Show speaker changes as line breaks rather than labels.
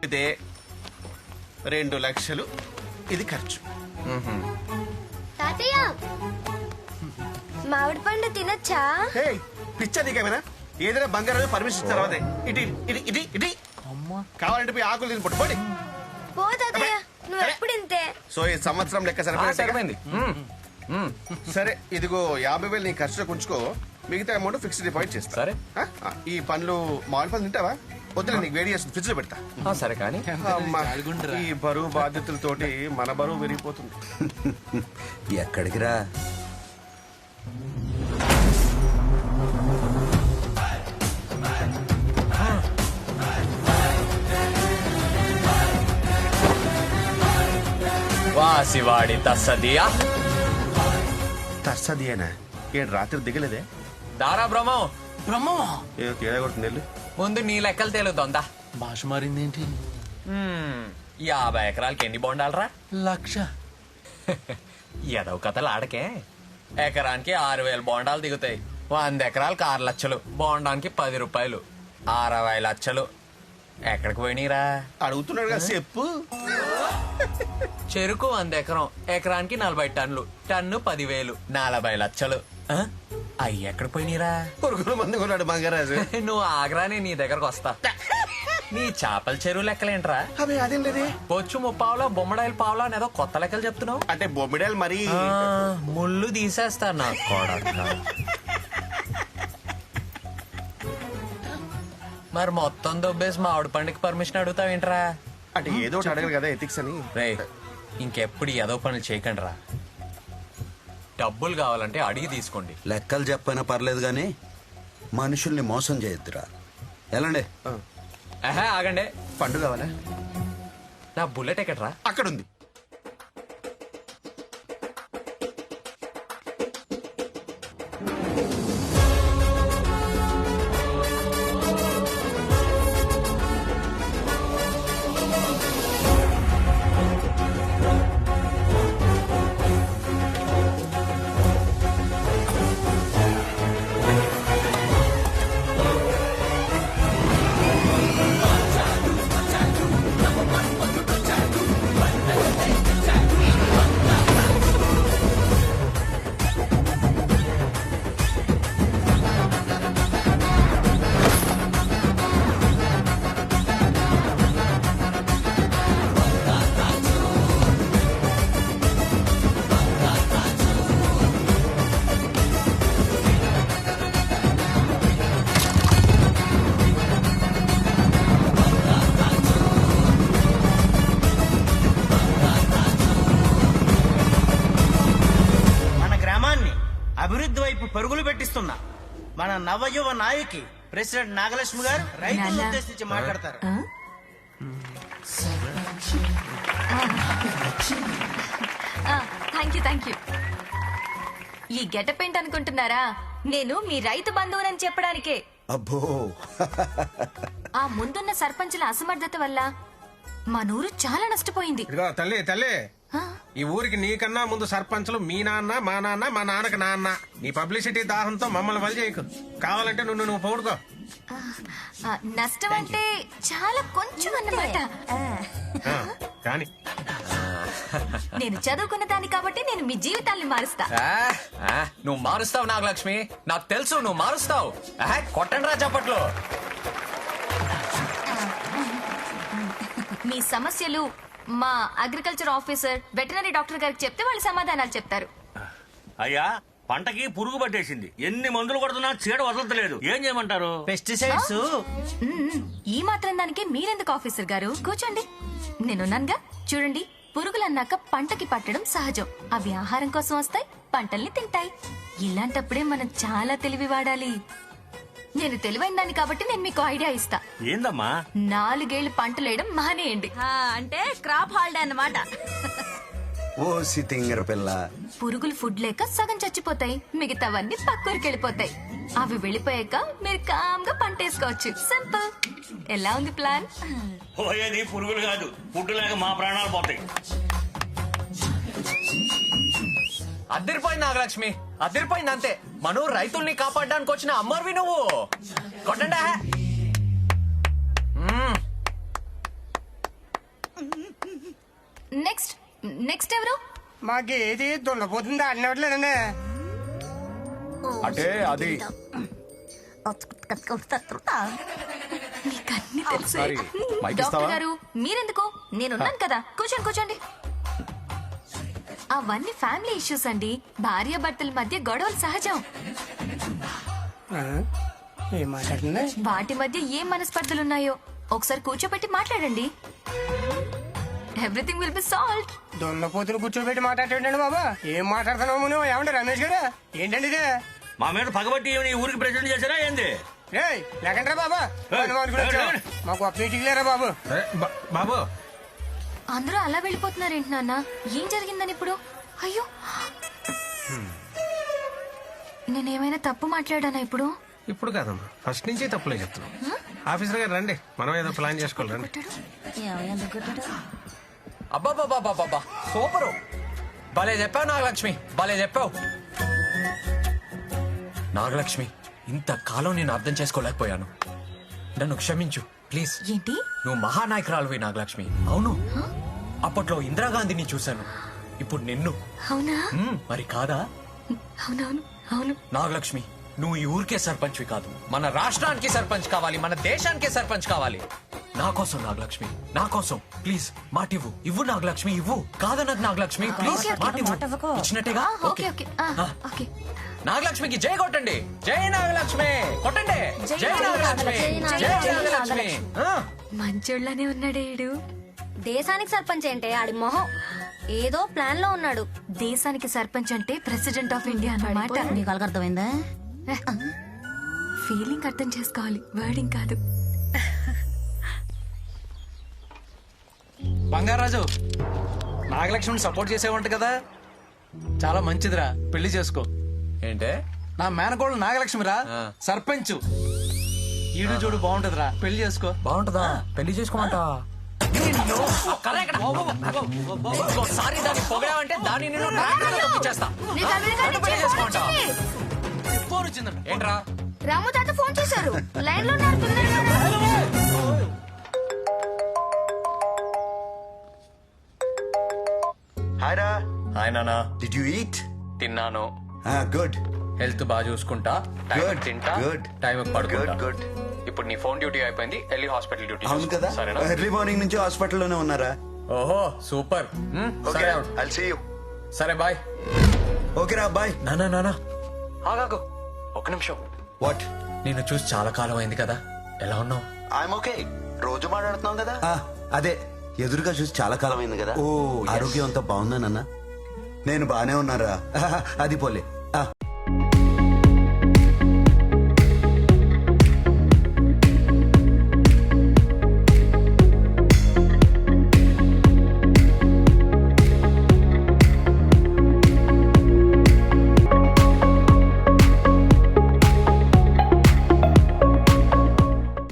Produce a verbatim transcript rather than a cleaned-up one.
కలిపితే రెండు లక్షలు ఇది ఖర్చు.
తాతయ్య మామిడి పండు తినొచ్చా?
హే పిచ్చా నీకేమైనా? ఏదైనా బంగారం పర్మిషన్ ఇచ్చిన తర్వాతే ఇటు ఇటు ఇటు ఇటు కావాలంటే పోయి ఆకులు తిని పట్టుకోండి.
పో తాతయ్య, నువ్వు ఎప్పుడు ఇంతే.
సో ఈ సంవత్సరం లెక్క సరిపోయింది. సరే ఇదిగో యాభై వేలు నీ ఖర్చులో ఉంచుకో, మిగతా అమౌంట్ ఫిక్స్డ్ డిపాజిట్ చేస్తా.
సరే.
ఆ, ఈ పండ్లు మామిడి పండ్లు తింటావా? వద్దులే, నీకు వేడి చేస్తుంది, ఫ్రిడ్జ్ లో పెడతా.
సరే కానీ
అమ్మా, ఈ బరువు బాధ్యతలతోటి మన బరువు విరిగిపోతుంది.
ఎక్కడికి రా?
వాసివాడి తస్సదియా
తస్సదియేనా? ఏడు రాత్రి దిగలేదే?
దారా బ్రహ్మం
బ్రహ్మమా?
ఏదో తేడా కొడుతుంది వెళ్ళు.
ముందు నీ లెక్కలు తేలుతోందా?
భాష మారిందేంటి?
యాభై ఎకరాలకి ఎన్ని బొండాలరా?
లక్ష.
ఎదవ కథలు ఆడకే. ఎకరానికి ఆరు వేల బోండాలు దిగుతాయి. వంద ఎకరాలకు ఆరు లక్షలు, బోండానికి పది రూపాయలు, అరవై లక్షలు. ఎక్కడికి పోయినీరా?
అడుగుతున్నాడు కదా చెప్పు.
చెరుకు వంద ఎకరం, ఎకరానికి నలభై టన్నులు, టన్ను పదివేలు, నలభై లక్షలు. ఆ? అయ్యి ఎక్కడికి పోయినీరా?
పురుగుల మంది కొన్నాడు మంగరాజు.
నువ్వు ఆగ్రానే నీ దగ్గరకు వస్తా. నీ చేపల చెరువు లెక్కలేంట్రా?
అవి అదేం లేదే.
బొచ్చు ముప్పావులా, బొమ్మడాయిల పావులా అనేదో కొత్త లెక్కలు చెప్తున్నావు.
అంటే బొమ్మిడాలు మరి
ఆ, ముళ్ళు తీసేస్తా నా కొడక. మరి మొత్తం దొబ్బేసి మామిడి పండుగ పర్మిషన్ అడుగుతావేంట్రా?
అంటే ఏదో ఒకటి అడగరు కదా ఎథిక్స్ అని.
రే, ఇంకెప్పుడు ఏదో పనులు చేయకండి రా. డబ్బులు కావాలంటే అడిగి తీసుకోండి.
లెక్కలు చెప్పైనా పర్లేదు గాని మనుషుల్ని మోసం చేయొద్దురా. ఎలాండి?
ఆహా, ఆగండి.
పండు కావాలా?
నా బుల్లెట్ ఎక్కడ్రా?
అక్కడ ఉంది.
అభివృద్ధి వైపు పరుగులు పెట్టిస్తున్నా మన నవయువ నాయకి ప్రెసిడెంట్ నాగలక్ష్మి గారు రైతులను ఉద్దేశించి మాట్లాడతారు.
Thank you thank you. ఈ గెటప్ ఏంటి అనుకుంటున్నారా? నేను మీ రైతు బంధువునని చెప్పడానికే.
అబ్బో,
ఆ ముందున్న సర్పంచుల అసమర్థత వల్ల మా నూరు చాలా నష్టపోయింది.
ఇదిగో తల్లి తల్లి,
ఆ?
ఈ ఊరికి నీకన్నా ముందు సర్పంచులు మీ నాన్న, మా నాన్న, మా నాన్నకి నాన్న. నీ పబ్లిసిటీ దాహంతో మమ్మల్ని వలి చేయకు. కావాలంటే నువ్వు నువ్వు పౌడుకో.
ఆ, నష్టం అంటే చాలా కొంచెం అన్నమాట.
ఆ, కానీ
నేను చదువుకున్న దాన్ని కాబట్టి నేను మీ జీవితాల్ని మారుస్తా.
ఆ, ఆ, నువ్వు మారుస్తావు నాగలక్ష్మి, నాకు తెలుసు నువ్వు మారుస్తావు. కొట్టండి రా చప్పట్లు.
మీ సమస్యలు మా అగ్రికల్చర్ ఆఫీసర్, వెటనరీ డాక్టర్ గారికి చెప్తే వాళ్ళు సమాధానాలు చెప్తారు.
అయ్యా, పంటకి పురుగు పట్టేసింది. ఎన్ని మందులు కొడుతున్నా చీడ వదలట్లేదు. ఏం చేయమంటారు?
పెస్టిసైడ్స్.
మ్మ్. ఈ మాత్రం దానికి మీరెందుకు ఆఫీసర్ గారు? కూర్చోండి, నేనున్నానుగా. చూడండి, పురుగులన్నాక పంటకి పట్టడం సహజం. అవి ఆహారం కోసం వస్తాయి, పంటల్ని తింటాయి. ఇలాంటప్పుడే మనం చాలా తెలివి వాడాలి. నేను తెలివైన దాన్ని కాబట్టి నేను మీకు ఐడియా ఇస్తా.
ఏందమ్మా?
నాలుగేళ్లు పంటలేయడం మానేయండి.
అంటే క్రాప్ హాలిడే అన్నమాట.
ఓ సితింగర పిల్ల,
పురుగులు ఫుడ్ లేక సగం చచ్చిపోతాయి, మిగతావన్నీ పక్కూరికి వెళ్ళిపోతాయి. అవి వెళ్ళిపోయాక మీరు కామ్గా పంట వేసుకోవచ్చు. సింపుల్. ఎలా ఉంది ప్లాన్?
పోయేది పురుగులు కాదు, ఫుడ్ లేక మా ప్రాణాలు పోతాయి.
అద్దరిపోయింది నాగలక్ష్మి, అద్దరిపోయింది అంతే. మనం రైతుల్ని కాపాడడానికి వచ్చిన అమ్మర్వి నువ్వు. కొట్టండా.
నెక్స్ట్ నెక్స్ట్ ఎవరు?
మాకు ఏది దున్నపోతుందా అన్నట్లేదండి.
అంటే అది
మీకు అన్ని తెలుసు.
సారీ, మైక్ ఇస్తావా?
డాక్టర్ గారు మీరెందుకు? నేనున్నాను కదా, కూర్చోండి కూర్చోండి. అవన్నీ ఫ్యామిలీ ఇష్యూస్ అండి. భార్య భర్తల మధ్య గొడవలు సహజం.
ఏం మాట్లాడుతుంది?
వాటి మధ్య ఏం మనస్పర్ధలున్నాయో ఒకసారి కూర్చోబెట్టి మాట్లాడండి. Everything will be solved.
దున్నపోతులు కూర్చోబెట్టి మాట్లాడేటండి బాబా. ఏం మాట్లాడుతున్నావు నువ్వు? ఏమంటే రమేష్ గారు ఏంటండి ఇదే?
మా మీద పగబట్టి ఈమెని ఈ ఊరికి ప్రెసిడెంట్ చేశారా ఏంది?
రేయ్ లేకండ్రా బాబా.
ఏయ్,
మనం అనుకుని వచ్చాం.
ఏయ్, ఏయ్.
మాకు అప్ లేరా బాబు.
ఏ, బా- బాబు
అందరూ అలా వెళ్ళిపోతున్నారేంటి నాన్న? ఏం జరిగిందని ఇప్పుడు? అయ్యో, నేనేమైనా తప్పు మాట్లాడానా ఇప్పుడు?
ఇప్పుడు కాదమ్మా, ఫస్ట్ నుంచి తప్పులే చెప్తున్నాం. ఆఫీసర్ గారు రండి, మనం ఏదో ప్లాన్ చేసుకోవాలి రండి.
అబ్బాబాబాబాబా సూపరు. భలే చెప్పావు నాగలక్ష్మి, భలే చెప్పావు. నాగలక్ష్మి, ఇంతకాలం నేను అర్థం చేసుకోలేకపోయాను. నన్ను క్షమించు ప్లీజ్.
ఏంటి?
నువ్వు మహానాయకురాలువి నాగలక్ష్మి. అవును, అప్పట్లో ఇందిరాగాంధీని చూశాను, ఇప్పుడు నిన్ను.
అవునా?
మ్మ్, మరి కాదా?
అవునవును అవును.
నాగలక్ష్మి, నువ్వు ఈ ఊరికే సర్పంచ్వి కాదు, మన రాష్ట్రానికి సర్పంచ్ కావాలి, మన దేశానికే సర్పంచ్ కావాలి. నా కోసం నాగలక్ష్మి, నా కోసం ప్లీజ్ మాటివ్వు. ఇవ్వు నాగలక్ష్మి, ఇవ్వు. కాదన్నది నాగలక్ష్మి, ప్లీజ్
ఓకే, ఓకే.
మాటివ్వు. ఇచ్చినట్టేగా?
ఆ, ఓకే ఓకే ఆ,
ఆ.
ఓకే.
నాగలక్ష్మికి జై కొట్టండి. జై నాగలక్ష్మి కొట్టండి. జై నాగలక్ష్మి, జై నాగలక్ష్మి. ఆ.
మంచోళ్ళనే ఉన్నాడే ఈడు. దేశానికి సర్పంచ్ అంటే ఆడి మొహం ఏదో ప్లాన్ లో ఉన్నాడు.
దేశానికి సర్పంచ్ అంటే ప్రెసిడెంట్ ఆఫ్ ఇండియా అన్నమాట.
నీకు అర్థమైందా?
ఫీలింగ్ అర్థం చేసుకోవాలి, వర్డింగ్ కాదు.
బంగారాజు, నాగలక్ష్మిని సపోర్ట్ చేసేవంట కదా, చాలా మంచిదిరా, పెళ్లి చేసుకో.
ఏంటే?
నా మేనకోడలు నాగలక్ష్మిరా,
ఆ.
సర్పంచ్. ఈడు చూడు బాగుంటదిరా, పెళ్లి చేసుకో.
బాగుంటుందా? పెళ్లి చేసుకోమంట. ఇంకోసారి దాన్ని పొగడావంటే దాన్ని నేను ట్రాక్టర్లో తొక్కించేస్తా.
నీకు అమెరికా
నన్ను పెళ్లి
నుంచి ఫోన్
చేసుకోమంటా?
వచ్చింది.
ఫోన్ వచ్చిందంట.
ఏంట్రా?
రాము తాత ఫోన్ చేశారు. లైన్ లో ఉన్నారు, తొందరగా రా.
హాయ్ రా.
హాయ్ నానా.
Did you eat?
తిన్నాను.
గుడ్.
హెల్త్ బాగా చూసుకుంటా, టైం
Good,
తింటా,
good.
టైం పడుకుంటా.
Good, good.
ఇప్పుడు నీ ఫోన్ డ్యూటీ అయిపోయింది, వెళ్ళి హాస్పిటల్ డ్యూటీ
అవును
చూసుకో.
కదా,
సరేనా?
ఎర్లీ మార్నింగ్ నుంచి హాస్పిటల్లోనే ఉన్నారా?
ఓహో సూపర్. మ్, సరే అవును.
I'll see you.
సరే బాయ్.
ఓకే రా, బాయ్.
నానా నానా ఆగాగు ఒక నిమిషం.
వాట్?
నిన్ను చూసి చాలా కాలం అయింది కదా, ఎలా ఉన్నావు?
I'm okay. రోజు మాట్లాడుతున్నాం కదా. అదే, ఎదురుగా చూసి చాలా కాలం అయింది కదా. ఓ, ఆరోగ్యం అంతా బాగుందా నాన్న? నేను బానే ఉన్నారా? అది పోలే,